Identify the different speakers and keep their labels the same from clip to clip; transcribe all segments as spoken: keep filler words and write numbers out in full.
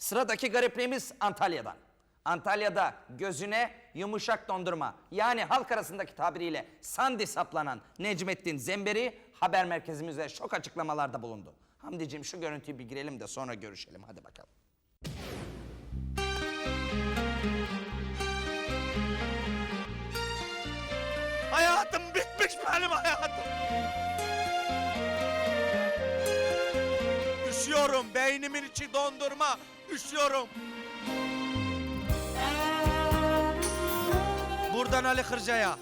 Speaker 1: Sıradaki garipliğimiz Antalya'dan. Antalya'da gözüne yumuşak dondurma, yani halk arasındaki tabiriyle sandi saplanan Necmettin Zemberi haber merkezimize şok açıklamalarda bulundu. Hamdiciğim şu görüntüyü bir girelim de sonra görüşelim. Hadi bakalım.
Speaker 2: Hayatım bitmiş benim hayatım. Üşüyorum, beynimin içi dondurma, üşüyorum. Buradan Ali Kırca'ya.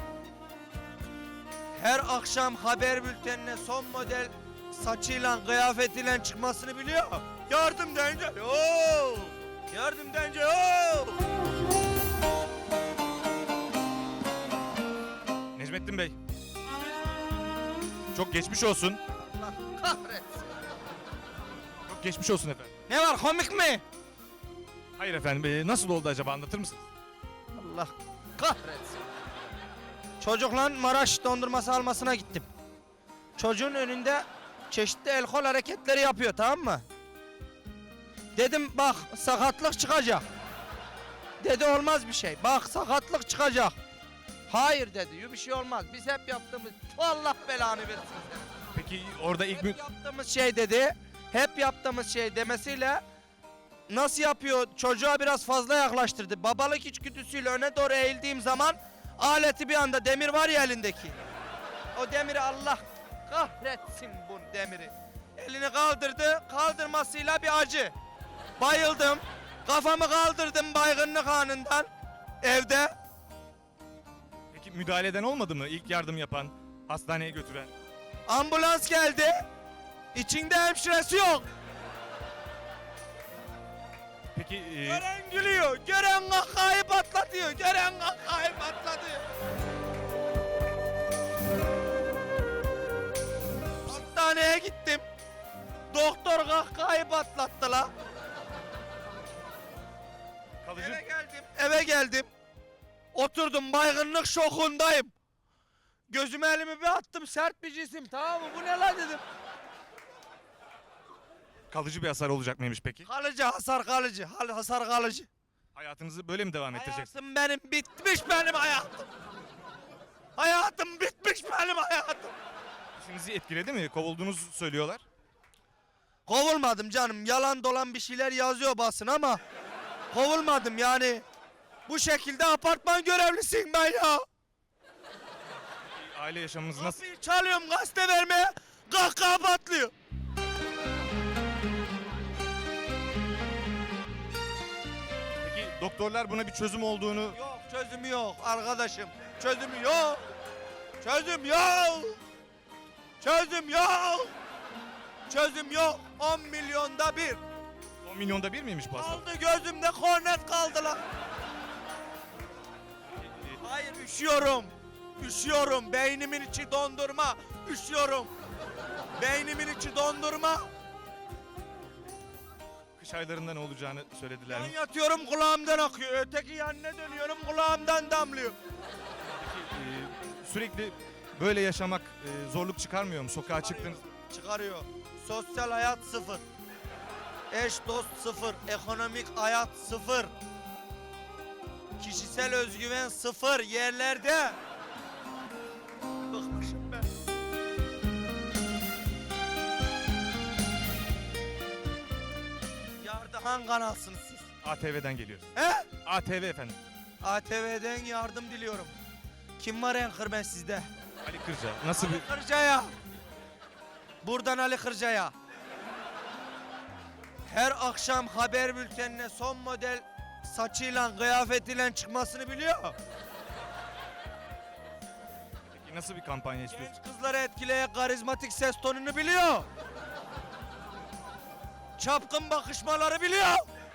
Speaker 2: Her akşam haber bültenine son model saçıyla, kıyafetiyle çıkmasını biliyor. Yardım deyince, ooo! Yardım deyince, ooo!
Speaker 3: Necmettin Bey. Çok geçmiş olsun.
Speaker 2: Allah kahretsin.
Speaker 3: Çok geçmiş olsun efendim.
Speaker 2: Ne var, komik mi?
Speaker 3: Hayır efendim, e, nasıl oldu acaba, anlatır mısınız?
Speaker 2: Allah kahretsin. Çocukla Maraş dondurması almasına gittim. Çocuğun önünde çeşitli el kol hareketleri yapıyor, tamam mı? Dedim bak sakatlık çıkacak. Dedi olmaz bir şey. Bak sakatlık çıkacak. Hayır dedi, bir şey olmaz. Biz hep yaptığımız, Allah belanı versin seni.
Speaker 3: Peki orada ilk... mü-
Speaker 2: Hep yaptığımız şey dedi. Hep yaptığımız şey demesiyle nasıl yapıyor? Çocuğa biraz fazla yaklaştırdı. Babalık içgüdüsüyle öne doğru eğildiğim zaman aleti bir anda, demir var ya elindeki. O demiri, Allah kahretsin bu demiri. Elini kaldırdı. Kaldırmasıyla bir acı. Bayıldım. Kafamı kaldırdım baygınlık anından. Evde.
Speaker 3: Peki müdahale eden olmadı mı? İlk yardım yapan, hastaneye götüren.
Speaker 2: Ambulans geldi. İçinde hemşiresi yok.
Speaker 3: Peki e,
Speaker 2: Gören gülüyor, gören kahkahayı patlatıyor, gören kahkahayı patlatıyor. Hastaneye gittim. Doktor kahkahayı patlattı la.
Speaker 3: kalıcı...
Speaker 2: Eve geldim, eve geldim. Oturdum, baygınlık şokundayım. Gözüme elimi bir attım, sert bir cisim, tamam mı? Bu ne la dedim.
Speaker 3: kalıcı bir hasar olacak mıymış peki?
Speaker 2: Kalıcı hasar, kalıcı, hal- hasar kalıcı.
Speaker 3: Hayatınızı böyle mi devam ettireceksiniz?
Speaker 2: Hayatım benim bitmiş, benim hayatım. Hayatım bitmiş, benim hayatım.
Speaker 3: İşinizi etkiledi mi? Kovulduğunuzu söylüyorlar.
Speaker 2: Kovulmadım canım. Yalan dolan bir şeyler yazıyor basın ama kovulmadım yani. Bu şekilde apartman görevlisiyim ben ya.
Speaker 3: Aile yaşamınız nasıl?
Speaker 2: Kapıyı çalıyorum gazete vermeye. Kahkaha patlıyor.
Speaker 3: Peki doktorlar buna bir çözüm olduğunu...
Speaker 2: Yok çözümü yok arkadaşım. Çözümü yok. Çözüm yok. Çözüm yok. Çözüm yok. on milyonda bir.
Speaker 3: on milyonda bir miymiş bu hastalık?
Speaker 2: Kaldı gözümde kornet kaldı lan. Hayır üşüyorum. Üşüyorum. Beynimin içi dondurma. Üşüyorum. Beynimin içi dondurma.
Speaker 3: Kış aylarında ne olacağını söylediler
Speaker 2: Ben
Speaker 3: mi?
Speaker 2: yatıyorum kulağımdan akıyor. Öteki yanına dönüyorum kulağımdan damlıyor.
Speaker 3: Peki e, sürekli böyle yaşamak e, zorluk çıkarmıyor mu? Sokağa çıktınız.
Speaker 2: Çıkarıyor. Sosyal hayat sıfır. Eş dost sıfır. Ekonomik hayat sıfır. Kişisel özgüven sıfır yerlerde. Bıkmışım ben. Yardıhan kanalsınız siz.
Speaker 3: A T V'den geliyoruz.
Speaker 2: He?
Speaker 3: A T V efendim.
Speaker 2: A T V'den yardım diliyorum. Kim var anchorman sizde?
Speaker 3: Ali Kırca. Nasıl bir...
Speaker 2: Kırca'ya. Buradan Ali Kırca'ya. Her akşam haber bültenine son model saçıyla, kıyafetiyle çıkmasını biliyor.
Speaker 3: Peki nasıl bir kampanya istiyorsun?
Speaker 2: Genç kızları etkileyen karizmatik ses tonunu biliyor. Çapkın bakışmaları biliyor.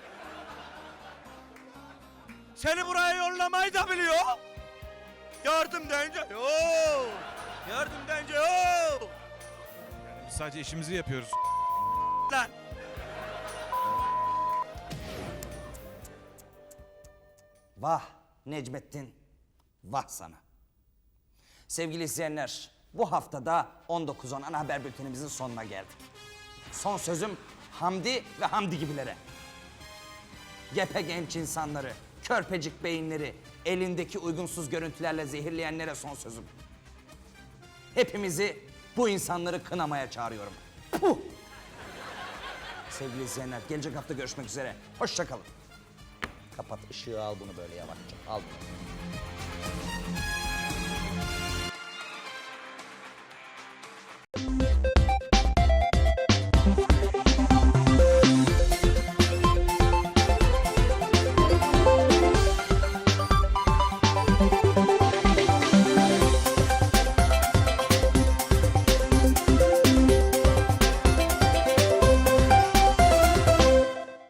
Speaker 2: Seni buraya yollamayı da biliyor. Yardım deyince yoo. Yardım deyince yoo.
Speaker 3: Yani biz sadece işimizi yapıyoruz.
Speaker 2: Lan.
Speaker 1: Vah Necmettin, vah sana. Sevgili izleyenler, bu haftada on dokuz on ana haber bültenimizin sonuna geldik. Son sözüm Hamdi ve Hamdi gibilere. gepe genç insanları, körpecik beyinleri, elindeki uygunsuz görüntülerle zehirleyenlere son sözüm. Hepimizi bu insanları kınamaya çağırıyorum. Puh! Sevgili izleyenler, gelecek hafta görüşmek üzere. Hoşça kalın. Kapat ışığı, al bunu böyle yavaşça. Al bunu.